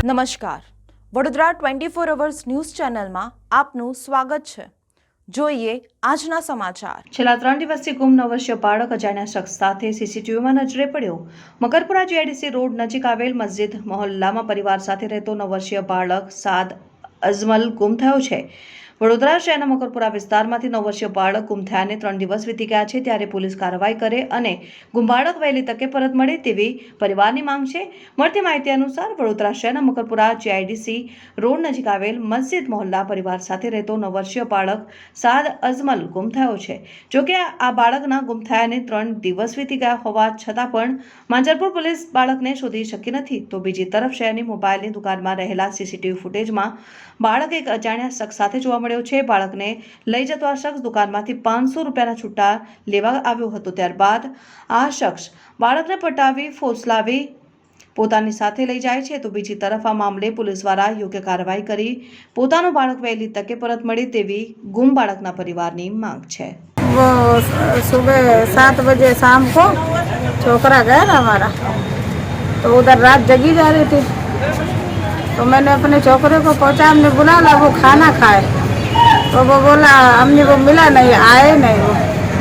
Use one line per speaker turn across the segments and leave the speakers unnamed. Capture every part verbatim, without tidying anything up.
નમસ્કાર, Vadodara twenty four hours news ચેનલમાં આપનું સ્વાગત છે। જોઈએ આજના સમાચાર। છેલ્લા ત્રણ દિવસથી ગુમ નવ વર્ષીય બાળક અજાણ્યા શખ્સ સાથે સીસીટીવીમાં નજરે પડ્યો। મકરપુરા જીઆઈડીસી રોડ નજીક આવેલ મસ્જિદ મોહલ્લામાં પરિવાર સાથે રહેતો નવ વર્ષીય બાળક સાદ અજમલ ગુમ થયો છે। વડોદરા શહેરના મકરપુરા વિસ્તારમાંથી નવ વર્ષીય બાળક ગુમ થયાને ત્રણ દિવસ વીતી ગયા છે, ત્યારે પોલીસ કાર્યવાહી કરે અને ગુમ બાળક વહેલી તકે પરત મળે તેવી પરિવારની માંગ છે। મળતી માહિતી અનુસાર વડોદરા શહેરના મકરપુરા જીઆઈડીસી રોડ નજીક આવેલ મસ્જિદ મોહલ્લા પરિવાર સાથે રહેતો નવ વર્ષીય બાળક સાદ અજમલ ગુમ થયો છે। જોકે આ બાળકના ગુમ થયાને ત્રણ દિવસ વીતી ગયા હોવા છતાં પણ માંજરપુર પોલીસ બાળકને શોધી શકી નથી। તો બીજી તરફ શહેરની મોબાઈલની દુકાનમાં રહેલા સીસીટીવી ફૂટેજમાં બાળક એક અજાણ્યા શખ્સ સાથે જોવા મળ્યો છે। બાળકને લઈ જતો આ શખ્સ દુકાનમાંથી પાંચસો રૂપિયાના છૂટા લેવા આવ્યો હતો। ત્યારબાદ આ શખ્સ બાળકને પટાવી ફોસલાવી પોતાની સાથે લઈ જાય છે। તો બીજી તરફ આ મામલે પોલીસ દ્વારા યોગ્ય કાર્યવાહી કરી પોતાનું બાળક વહેલી તકે પરત મળે તેવી ગુમ બાળકના પરિવારની માંગ છે।
वो सुबह सात बजे शाम को छोकरा गया ना हमारा, तो उधर रात जगी जा रही थी, तो मैंने अपने छोकरे को पहुंचा, हमने बुला वो खाना खाए, तो वो बोला हमने वो मिला नहीं, आए नहीं वो,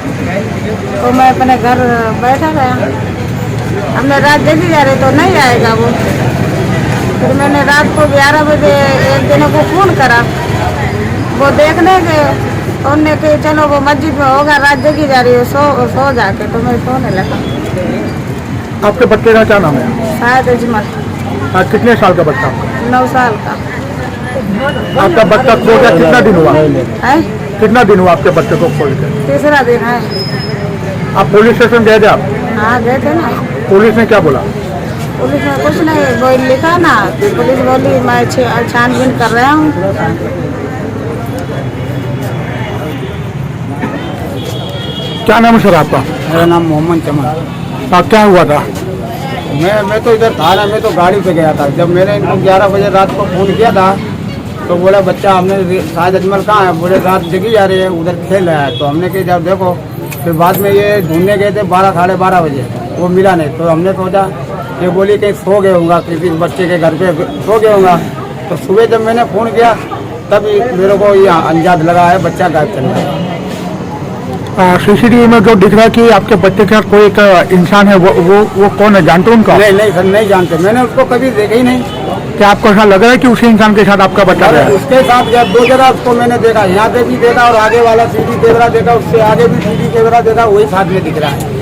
तो मैं अपने घर बैठा गया। हमने रात जगी जा रही तो नहीं आएगा वो। फिर मैंने रात को ग्यारह बजे एक दिन को फ़ोन करा, वो देखने गए, तो उन्होंने कहा चलो वो मस्जिद में होगा, रात जगी जा रही है, सो सो जाके, तो मैं सोने लगा।
आपके बच्चे का क्या नाम है?
साद अजमल।
आज कितने साल का बच्चा आपका?
नौ साल का।
आपका बच्चा खो गया कितना दिन हुआ
है?
कितना दिन हुआ आपके बच्चे को खोल के?
तीसरा दिन है।
आप पुलिस स्टेशन गए थे? आप
हाँ गए थे ना।
पुलिस ने क्या बोला?
पुलिस ने कुछ नहीं बोल लिखा ना, पुलिस बोली मैं छानबीन कर रहा हूँ।
क्या नाम है सर आपका?
मेरा नाम मोहम्मद चमन।
हाँ, क्या हुआ था?
मैं मैं तो इधर था ना, मैं तो गाड़ी पे गया था। जब मैंने इनको ग्यारह बजे रात को फ़ोन किया था, तो बोला बच्चा हमने साद अजमल कहाँ है, बोले रात जगी जा रही है, उधर खेल रहा है। तो हमने कहा जब देखो, फिर बाद में ये ढूंढने गए थे बारह साढ़े बारह बजे, वो मिला नहीं। तो हमने सोचा ये बोली कहीं सो गए होगा, किसी बच्चे के घर पे सो गए होगा। तो सुबह जब मैंने फ़ोन किया तभी मेरे को ये अंदाज़ लगा है बच्चा गायब चल रहा है।
सीसीटीवी में जो दिख रहा है कि आपके बच्चे के साथ कोई एक इंसान है, वो वो वो कौन है, जानते हो उनका?
नहीं नहीं सर, नहीं जानते, मैंने उसको कभी देखा ही नहीं।
क्या आपको ऐसा लग रहा है कि उसी इंसान के साथ आपका बच्चा
अरे
है?
उसके साथ गया, दो जगह उसको मैंने देखा, यहाँ पे भी देखा और आगे वाला सीडी कैमरा देखा, उससे आगे भी सीडी कैमरा देखा, वही साथ में दिख रहा है।